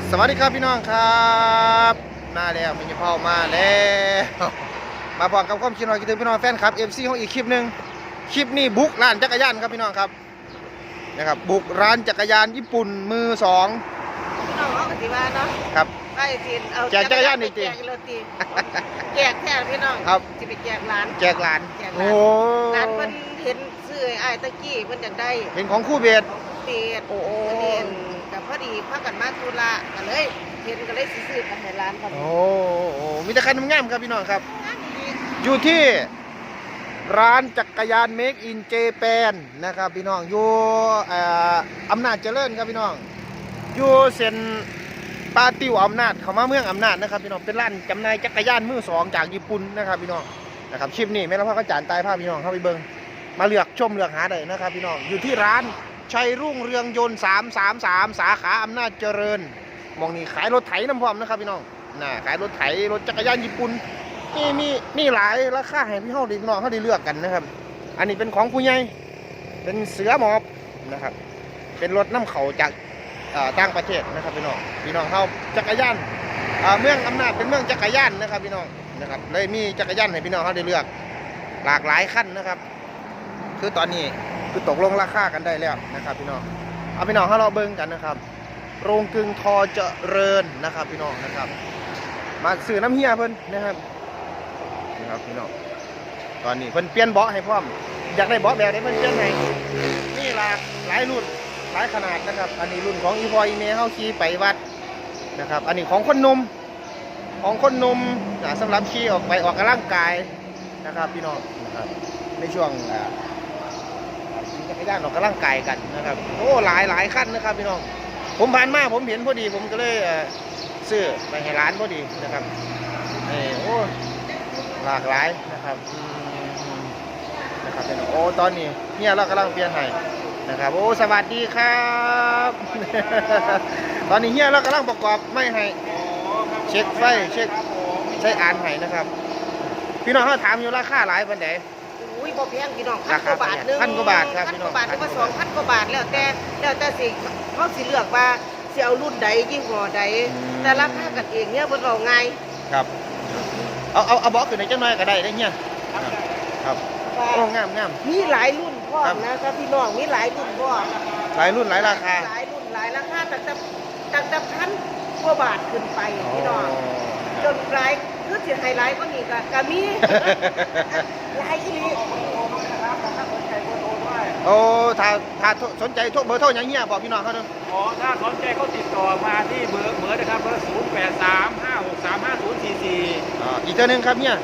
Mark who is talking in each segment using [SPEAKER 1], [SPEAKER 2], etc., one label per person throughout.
[SPEAKER 1] สวัสดีครับพี่น้องครับมาแล้วมีพ่อมาแล้วมาบอกกับความคิดหน่อยคิดถึงพี่น้องแฟนครับเอฟซีของอีกคลิปหนึ่งคลิปนี้บุกร้านจักรยานครับพี่น้องครับนะครับบุกร้านจักรยานญี่ปุ่นมือสอง
[SPEAKER 2] พี่น้องเขากติว่าเนาะ
[SPEAKER 1] ครับ
[SPEAKER 2] ไปทีนเอา
[SPEAKER 1] แจกจักรยานนี่จริง
[SPEAKER 2] แจกแค่พี่น้อง
[SPEAKER 1] ครับ
[SPEAKER 2] จะไปแจกร้าน
[SPEAKER 1] แจกร้านโอ้
[SPEAKER 2] ร้านเพิ่นเห็นซื้อไอ้ตะกี้เพิ่นอยากได้
[SPEAKER 1] เป็นของคู่เบส
[SPEAKER 2] เบียดโอ้เห็นกับพอดีพักกันมาธุระกันเลยเห็นก็เลยซื้อกันให้ร้านครับ
[SPEAKER 1] โอ้มีแต่คันงามครับพี่น้องครับอยู่ที่ร้านจักรยาน Make in Japan นะครับพี่น้องอยู่อำนาจเจริญครับพี่น้องอยู่เส้นปาติวอำนาจเข้ามาเมืองอำนาจนะครับพี่น้องเป็นร้านจำหน่ายจักรยานมือสองจากญี่ปุ่นนะครับพี่น้องนะครับคลิปนี้แม่ละพ่อก็จานตายภาพพี่น้องเข้าไปเบิ่งมาเลือกชมเลือกหาได้นะครับพี่น้องอยู่ที่ร้านชัยรุ่งเรืองยนต์333สาขาอำนาจเจริญมองนี่ขายรถไถน้ำพร้อมนะครับพี่น้องน่ะขายรถไถรถจักรยานญี่ปุ่นมีหลายราคาให้พี่น้องได้เลือกกันนะครับอันนี้เป็นของผู้ใหญ่เป็นเสือหมอบนะครับเป็นรถน้ำเขาจากต่างประเทศนะครับพี่น้องเขาจักรยานเมืองอำนาจเป็นเมืองจักรยานนะครับพี่น้องนะครับเลยมีจักรยานให้พี่น้องเขาได้เลือกหลากหลายขั้นนะครับคือตอนนี้คือตกลงราคากันได้แล้วนะครับพี่น้องเอาพี่น้องเขาเราเบิ่งกันนะครับโรงกลึงทอเจริญนะครับพี่น้องนะครับมาสื่อน้ำเฮียเพิ่นนะครับพี่น้องตอนนี้เพิ่นเปลี่ยนเบาะให้พร้อมอยากได้เบาะแบบไหนเพิ่นเปลี่ยนให้นี่หลายรุ่นหลายขนาดนะครับอันนี้รุ่นของอีพออีเมเฮาขี่ไปวัดนะครับอันนี้ของคนหนุ่มสำหรับขี่ออกกำลังกายนะครับพี่น้องนะครับในช่วงจักรยานออกกำลังกายกันนะครับโอ้หลายขั้นนะครับพี่น้องผมผ่านมาผมเห็นพอดีผมก็เลยซื้อไปให้ร้านพอดีนะครับโอ้หลากหลายนะครับพี่น้องโอ้ตอนนี้เนี่ยเรากำลังเปลี่ยนให้นะครับโอ้สวัสดีครับตอนนี้เฮียเรากำลังประกอบไม่ให้เช็คไฟเช็คใช้อ่านให้นะครับพี่น้องเขาถามอยู่ราคาหลายปันไหน
[SPEAKER 2] อุ้ยบ่แพงพี่น้อง1,000 กว่าบาทนึง
[SPEAKER 1] 1,000 กว่าบาทครับพี่น้อง
[SPEAKER 2] 1,000 กว่าบาทหรือว่า2,000 กว่าบาทแล้วแต่สิเขาสิเลือกว่าสิเอารุ่นใดยี่ห้อใดแต่ราคากันเองเนี่ยเพิ่นเอาง่าย
[SPEAKER 1] ครับเอาบล็อกขึ้นในจังน้อยก็ได้เฮียครับโอ้งาม
[SPEAKER 2] มีหลายรุ่นพ่อนะครับพี่น้องมีหลายรุ่นพ่อ
[SPEAKER 1] หลายรุ่นหลายราคา
[SPEAKER 2] หลายรุ่นหลายราคาตั้งแต่พันกว่าบาทขึ้นไปพี่น้องจนหลายคือสิไฮไลท์ก็มีก็มีหลายอีหลี
[SPEAKER 1] โอ้ถ้าสนใจโทรเบอร์โทรอย่างเงี้ยบอกพี่น้องเขาเนาะ
[SPEAKER 3] อ๋อถ้าสนใจเขาติดต่อมาที่เบอร์นะครับเบอร์0835635044
[SPEAKER 1] อีกตัวนึงครับเนี่ย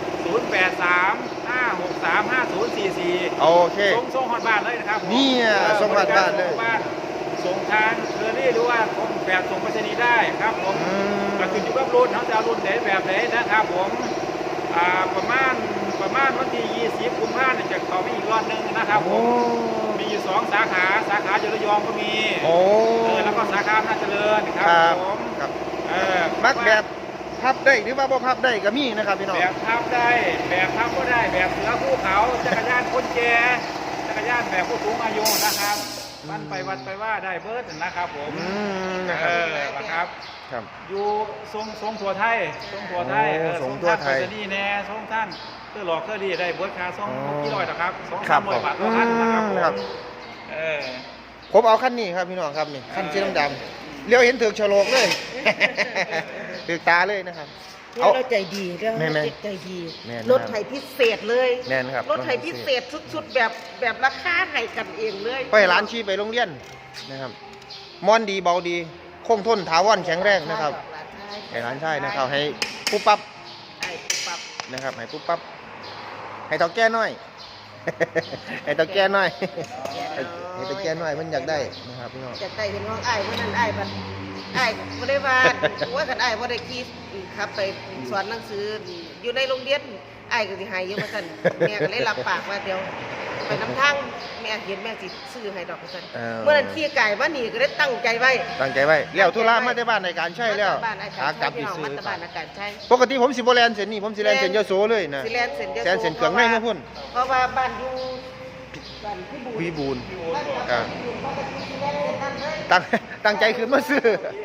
[SPEAKER 3] 0835635044
[SPEAKER 1] โอเค
[SPEAKER 3] ส่งฮอดบ้านเลยนะครับ
[SPEAKER 1] นี่ส่งฮอดบ้านเลย
[SPEAKER 3] ส่งทางเคอรี่หรือว่าแบบส่งไปรษณีย์ได้ครับผมก็ขึ้นอยู่กับรุ่นเขาจะเอารุ่นไหนแบบไหนนะครับผมประมาณวันที่20 กุมภาพันธ์จะเข้าไปอีกรอบนึงนะครับผมมีอยู่2 สาขาอยู่ระยองก็มีแล้วก็สาขาอำนาจเจริญครับผม
[SPEAKER 1] มักแบบพับได้หรือว่าบ่พับได้ก็มีนะครับพี่น้อง
[SPEAKER 3] แบบพับได้แบบพับก็ได้แบบเสือภูเขาจักรยานคนแก่จักรยานแบบผู้สูงอายุนะครับมันไปวัดไปว่าได้เบิร์ดนะครับผมนะครับอยู่ทรงทั่วไทยทรงทั่วไทยนี่แน่ทรงท่านเพื่อหลอกเพื่อดีได้เบิร์ดคาทรงกี่ร้อยนะครับ200-300 บาทต่อท่านนะครับ
[SPEAKER 1] ผมเอาขั้นนี้ครับพี่น้องครับนี่ขั้นสีดำเลี้ยวเห็นถึกฉลกเลยถึกตาเลยนะครับ
[SPEAKER 2] เราใจดีเราใจดีรถไถพิเศษเลย
[SPEAKER 1] แน่นครับ
[SPEAKER 2] รถไถพิเศษชุดแบบราคาให้กันเองเลย
[SPEAKER 1] ไปร้านชี้ไปโรงเรียนนะครับมอนดีเบาดีคงทนถาวรแข็งแรงนะครับให้ร้านใช่นะครับให้ปุ๊บปั๊บนะครับให้ปุ๊บปั๊บให้เท่าแก่น้อยให้เท่าแก่น้อยให้เท่าแก่น้อยมันอยากได้นะครับพี่น้อง
[SPEAKER 2] อยากได้เห็นว่าไอ้วันนั้นไอ้บ่ได้ว่ากันไอ้บ่ได้คิดครับไปสอนหนังสืออยู่ในโรงเรียนไอ้ก็สิให้อยู่ว่าซั่นแม่ก็เลยรับปากว่าเดี๋ยวไปน้ำทางแม่เห็นแม่สิซื้อให้ดอกว่าซั่นเมื่อนั้นขี่ไก่มานี่ก็ได้ตั้งใจไว้
[SPEAKER 1] แล้วธุระมาที่บ้านในการใช้แล้ว
[SPEAKER 2] กลับที่ซื้อบ้านในการใช้
[SPEAKER 1] ปกติผมสิบ่แล่นเส้นนี้ผมสิแล่นเส้นยโสเลยนะ
[SPEAKER 2] สิแล่นเส้นยโส
[SPEAKER 1] เส้นเครื่องในมาพุ่น
[SPEAKER 2] เพราะว่าบ้านอยู่บ้าน
[SPEAKER 1] พี่บูนตั้งใจขึ้นมาซื้อ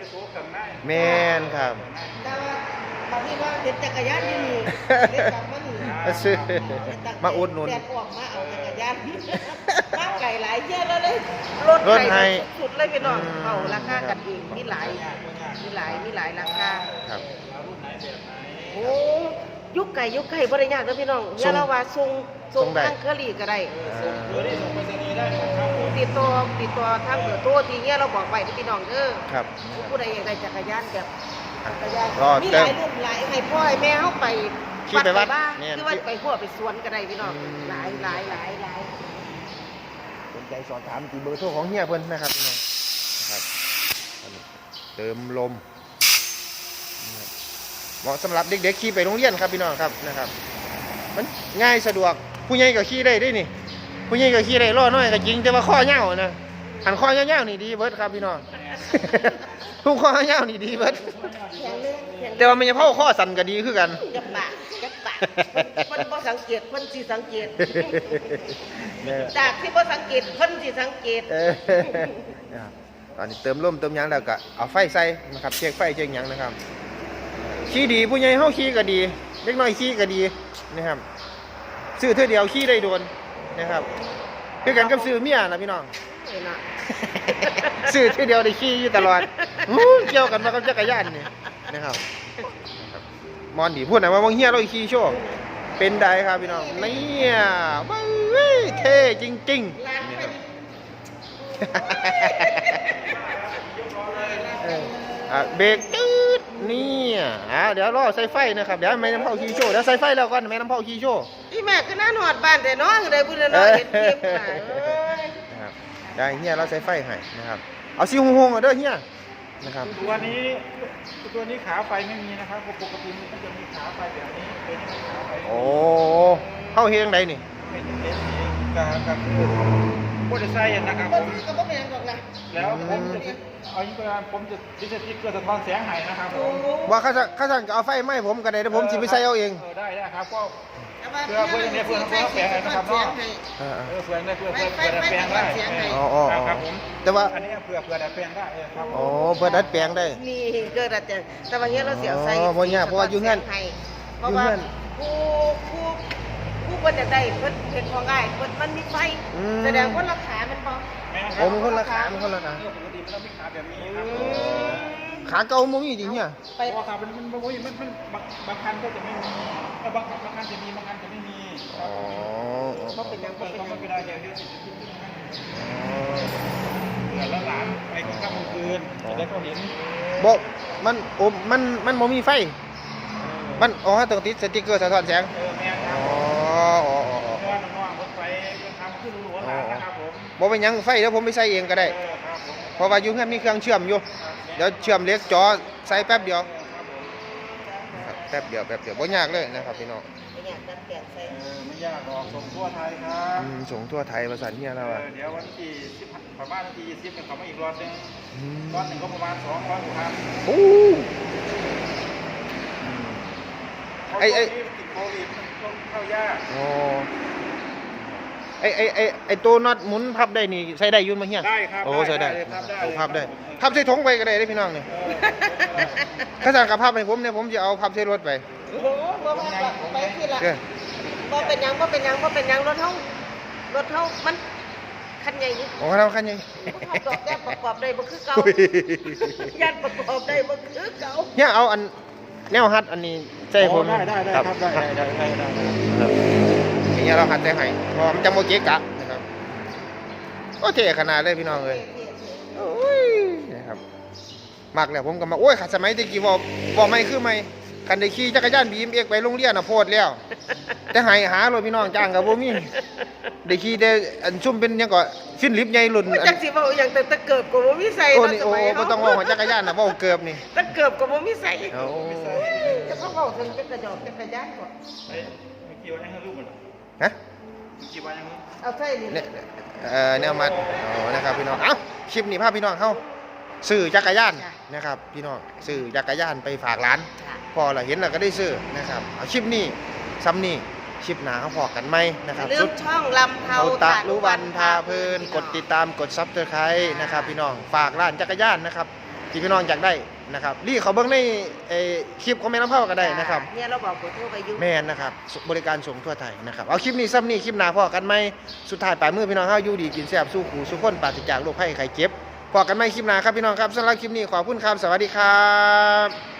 [SPEAKER 3] โซ่กันได้
[SPEAKER 1] แม่นครับ
[SPEAKER 2] แต่ว่าบางทีว่าเห็นจักรยานอยู่นี่เด็กกลับมานี่
[SPEAKER 1] มาซื้อมาอุดหนุน
[SPEAKER 2] แดดออกมาเอาจักรยานมาไก่หลายเที่ยวแล้วเลย
[SPEAKER 1] รถให้
[SPEAKER 2] สุดเลยพี่น้อง
[SPEAKER 1] อืม
[SPEAKER 2] เอาราคากันเองมีหลายราคา
[SPEAKER 1] ครับ
[SPEAKER 3] รุ่นไหนแบบไหน
[SPEAKER 2] โอ้ยุคไก่บ่ได้ยากเด้อพี่น้อง
[SPEAKER 1] ส่ง
[SPEAKER 2] อย่าละว่าส่ง
[SPEAKER 1] ส่งได้
[SPEAKER 2] ทางเคอรี่ก็ได้
[SPEAKER 3] ส่งเบอร์ได้ส่งไปรษณีย์ได้ครับผม
[SPEAKER 2] ติดต่อทางเบอร์โทรที่เฮียเราบอกไว้ที่พี่น้องเด้อ
[SPEAKER 1] ครับ
[SPEAKER 2] ผู้ใดอยากได้จักรยานแบบจักรยาน
[SPEAKER 1] รอ
[SPEAKER 2] มี
[SPEAKER 1] เติ
[SPEAKER 2] ห
[SPEAKER 1] ม
[SPEAKER 2] ลายรุ่นหลายให้พ่อให้แม่เฮาไป
[SPEAKER 1] ขี่ไปวัด
[SPEAKER 2] บ้าง
[SPEAKER 1] แม่น
[SPEAKER 2] คือว่าไปหัวไปสวนก็ได้พี่น้อง
[SPEAKER 1] อืม
[SPEAKER 2] หลาย
[SPEAKER 1] สนใจสอบถามที่เบอร์โทรของเฮียเพิ่นนะครับพี่น้องนะครับอันนี้เติมลมนะครับเหมาะสำหรับเด็กๆขี่ไปโรงเรียนครับพี่น้องครับนะครับ มันง่ายสะดวกผู้ใหญ่ก็ขี่ได้ด้วยนี่ผู้ใหญ่ก็ขี่ได้ล้อน้อยก็จริงแต่ว่าข้อยาวนะหันข้อยาวๆนี่ดีเบิดครับพี่น้อง ทุกข้อยาวๆนี่ดีเบิด
[SPEAKER 2] แข็งแรงแข็ง
[SPEAKER 1] แต่ว่ามันจะเผาข้อสั่นก็ดีคือกัน
[SPEAKER 2] จับปากเพิ่นบ่สังเกตเพิ่นสิสังเกต
[SPEAKER 1] เนี่ย
[SPEAKER 2] จากที่บ่สังเกตเพิ่นสิสังเกต
[SPEAKER 1] เออนะครับตอนนี้เติมลมเติมหยังแล้วก็เอาไฟใส่นะครับเช็คไฟเช็คหยังนะครับขี่ดีผู้ใหญ่เฮาขี่ก็ดีเล็กน้อยขี่ก็ดีนะครับซื้อเท่าเดียวขี่ได้โดนนะครับคือกันกับซื้อเมียนะพี่น้อง
[SPEAKER 2] เอ้ยน่ะ
[SPEAKER 1] ซื้อเท่าเดียวได้ขี่อยู่ตลอดอู้เกี่ยวกันมากับจักรยานนี่นะครับมอนดีพูดหน่อยว่าบางเฮียเราขี่โชว์เป็นได้ครับพี่น้องเนี่ยว้าวเท่จริงๆ
[SPEAKER 2] ร้าน
[SPEAKER 1] นี่
[SPEAKER 2] เป็
[SPEAKER 1] ครับ
[SPEAKER 2] น
[SPEAKER 1] เบรกจืดนี่เดี๋ยวรอใส่ไฟนะครับเดี๋ยวแม่น้ำเผาขี้โชว์เดี๋ยวใส่ไฟแล้วก่อนแม่น้ำเผาขี้โชว์
[SPEAKER 2] อีแม่ก็น่าหอดบ้านแต่น้องได้บุญน้อยเห็นคลิปน่ะเอ้ย
[SPEAKER 1] นะครับได้เฮียเราใส่ไฟให้นะครับเอาซีฮงๆเอาเด้อเฮียนะครับ
[SPEAKER 3] ตัวนี้ขาไฟไม่มีนะครับปกติมันจะมีขาไฟแบบนี้เป็นขาไฟ
[SPEAKER 1] โอ้เข้าเฮงใดนี่
[SPEAKER 3] เป็นเอสกับโปรตีไซน์นะครับผ
[SPEAKER 2] บ่
[SPEAKER 3] ม
[SPEAKER 2] ก็บ่แม่นดอกนะ
[SPEAKER 3] แล้วผมจะเอาอย่างนี้ผมจะดิสติกเกอร์สะท้อนแสงให้นะครับผม
[SPEAKER 1] ว่าข้าสั่งก็เอาไฟไหม้ผมก็ได้เดี๋ยวผมสิไปใส่เอาเอง
[SPEAKER 3] ได้ครับก็
[SPEAKER 2] เพื่อแปลงนะครับเนาะ
[SPEAKER 3] เพื่อได้เพื่อดัดแปลงได้
[SPEAKER 1] อ๋อ
[SPEAKER 3] ครับผม
[SPEAKER 1] แต่ว่า
[SPEAKER 3] อันนี้เพื่อดัดแปลงได้ครับ
[SPEAKER 1] อ๋อเพื่อดัดแปลงได้
[SPEAKER 2] นี่เกิดอะไรแต่ว่าเนี้ยเราเสียใส่
[SPEAKER 1] อ๋อบ่ยากเพราะว่าอยู่เฮือน
[SPEAKER 2] เพราะว่าผู้เพิ่นจะได้เพิ่นเฮ็ดของง่ายเพิ่นมันมีไฟแสดงว่าราคามันบ่
[SPEAKER 1] โอ้มันคนละขามันคนละขา
[SPEAKER 3] ปกติมันต้องมีขาแบบนี้ครับ
[SPEAKER 1] ขาเก่ามันมีจริงเนี่ย
[SPEAKER 2] ไป
[SPEAKER 3] เพราะขามันบางคันก็จะไม่มีบางคันจะมีบางคันจะไม่มี
[SPEAKER 1] อ๋อ
[SPEAKER 2] บ่เป็นหยังบ่เป็นหยัง
[SPEAKER 3] ก็ไม่ได้อย่างเดียวเดือนละหลานไปกลางค่ำกลางคืนจะได้เขาเห็น
[SPEAKER 1] บอกมันบ่มีไฟ มันต้องติดสติ๊กเกอร์สะท้อนแสง
[SPEAKER 3] แม่ค
[SPEAKER 1] อ๋
[SPEAKER 3] รั
[SPEAKER 1] อบ
[SPEAKER 3] เพราะว่าน้องๆรถไฟทำขึ้นหัวหลานนะครับผม
[SPEAKER 1] บ่เป็นหยังไฟเดี๋ยวผมไปใส่เองก็ได้
[SPEAKER 3] ครับผม
[SPEAKER 1] เพราะว่าอยู่เฮือนมีเครื่องเชื่อมอยู่ เดี๋ยวเชื่อมเหล็กจอใส่แป๊บเดียวนะครับแป๊บเดียวบ่ยากเลยนะครับพี่น้อง
[SPEAKER 2] เป็นหยังดัดแปลงใส่
[SPEAKER 3] ไม่ยากหรอกส่งทั่วไทยครับ
[SPEAKER 1] ส่งทั่วไทยประสานเฮียแล้วอ่ะ
[SPEAKER 3] เดี๋ยววันที่10ประมาณวันที่20เนี่ยเขามาอีกรอบนึง
[SPEAKER 1] อืม
[SPEAKER 3] รอบหนึ่งก็ประมาณ200กว่าพัน
[SPEAKER 1] โอ้ไอ้
[SPEAKER 3] ติดโควิดมันเข้ายาก
[SPEAKER 1] โอ้ไอ้ตัวน็อตหมุนพับได้นี่ใส่ได้อยุ่นมาเฮีย
[SPEAKER 3] ได้ครับ
[SPEAKER 1] โอ้ใส่ได้
[SPEAKER 3] ครับได้
[SPEAKER 1] โอ้พับได้พับใส่ถุงไปก็ได้เด้อพี่น้องนี่ถ้าสั่งกับพับให้ผมเนี่ยผมจะเอาพับใส่รถไป
[SPEAKER 2] โอ้โหบ่ว่าไปที่ละ
[SPEAKER 1] เด้อ
[SPEAKER 2] บ่เป็นหยังรถเฮามันคันใหญ่อยู่
[SPEAKER 1] โอ้เราคันยัง
[SPEAKER 2] เขาดอกแก้ประกอบได้บ่คือเก่ายันประกอบได้บ่คือเก่า
[SPEAKER 1] เฮียเอาอันแนวฮัดอันนี้ใส่ผม
[SPEAKER 3] ได้ครับได้
[SPEAKER 1] ครับอย่างเงี้ยเราหัดใจให้เพราะมันจะโมเกะกะนะครับโอ้เท่ขนาดเลยพี่น้องเลยโอ้ยนะครับมากแล้วผมก็มาโอ้ยขัดสมัยตะกี้บอกไม่คือไม่คันได้ขี่จักรยานบีมเอกไปโรงเรียนน่ะโพดแล้วแต่หาเลยพี่น้องจ้างกับบ่มีได้ขี่แต่อันซุ่มเป็นหยังก็ฟินลิฟต์ใหญ่รุ่น
[SPEAKER 2] จักสิเว้าอย่างแต่เกิบก็บ่มีใส่
[SPEAKER 1] โอ้
[SPEAKER 2] เนาะ
[SPEAKER 1] นี่
[SPEAKER 2] ส
[SPEAKER 1] โอ้
[SPEAKER 2] มัย
[SPEAKER 1] บ่
[SPEAKER 2] เฮา
[SPEAKER 1] ต้องว่าจักรยานน่ะเว้าเกือบนี่
[SPEAKER 2] แต่เกิบก็บ่มีใส่
[SPEAKER 1] โอ้
[SPEAKER 2] จะเขาเว้าถึงจักรยานก่อน
[SPEAKER 3] เฮ้ยไม่กี่วันยังให้ลูกมัน
[SPEAKER 1] ฮะ
[SPEAKER 3] ไม่กี่วันยัง
[SPEAKER 2] เอาใส่นี่
[SPEAKER 1] เนี่ยแนวมัดนะครับพี่น้องเอ้าคลิปนี้พาพี่น้องเข้าซื้อจักรยานนะครับพี่น้องซื้อจักรยานไปฝากร้าน พอเราเห็นเราก็ได้ซื้อนะครับเอาคลิปนี้ซ้ำนี่คลิปหนาเขาพอกันไหมนะครับ
[SPEAKER 2] เรื่องช่องลำเทา
[SPEAKER 1] เอาตะลุวันพาเพลินกดติดตามกดซับสไครต์นะครับพี่น้องฝากร้านจักรยานนะครับที่พี่น้องอยากได้นะครับรีเขาเบิ่งในคลิปของแม่น้ำเผาก็ได้นะครับ
[SPEAKER 2] เนี่ยเราบอกกดโทรไปอยู่
[SPEAKER 1] แม่นนะครับบริการส่งทั่วไทยนะครับเอาคลิปนี้ซ้ำนี่คลิปหน้าพอกันไหมสุดท้ายปลายมือพี่น้องเฮาอยู่ดีกินแซ่บสู้ขู่สู้คนปราศจากโรคภัยไข้เจ็บพอกันไหมคลิปหน้าครับพี่น้องครับสำหรับคลิปนี้ขอบคุณครับสวัสดีครับ